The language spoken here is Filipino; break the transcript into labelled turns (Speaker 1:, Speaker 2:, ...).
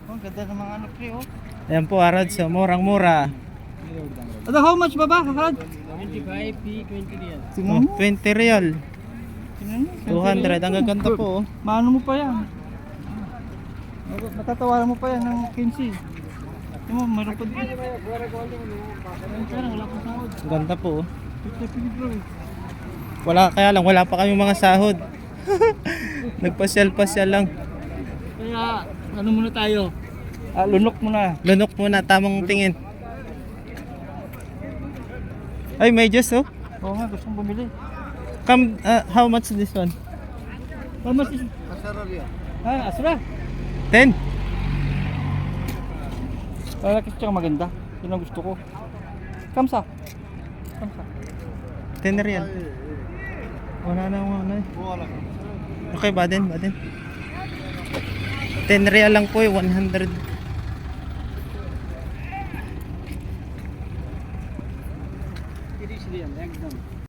Speaker 1: Oh, ganda ng mga ano pre oh.
Speaker 2: Ayan po, Arad, so murang-mura.
Speaker 1: Ano, how much ba Harad?
Speaker 3: 25 P, 20 real.
Speaker 1: Tingnan mo.
Speaker 2: 20 real.
Speaker 1: Tingnan mo.
Speaker 2: 200, ang gaganda po. Oh.
Speaker 1: Maano mo pa yan? Matatawaran mo pa yan ng 15. Tingnan mo, mayroon pa din. Pero wala pang sahod.
Speaker 2: Ang ganda po. Oh.
Speaker 1: 50 bro eh.
Speaker 2: Kaya lang, wala pa kami mga sahod. Nagpasyal-pasyal lang.
Speaker 1: Kaya, ano muna tayo? Lunok muna.
Speaker 2: Lunok muna, tamang tingin. Ay, may juice oh.
Speaker 1: Oo nga, gusto kong bumili.
Speaker 2: How much this one?
Speaker 1: How much is? Asra.
Speaker 2: 10?
Speaker 1: Lalaki tsaka maganda. Yun ang gusto ko. Kamsa.
Speaker 2: 10 real. Wala na mga ano eh. Okay, baden. 10 real lang po eh, 100.
Speaker 3: It is real, ekdam.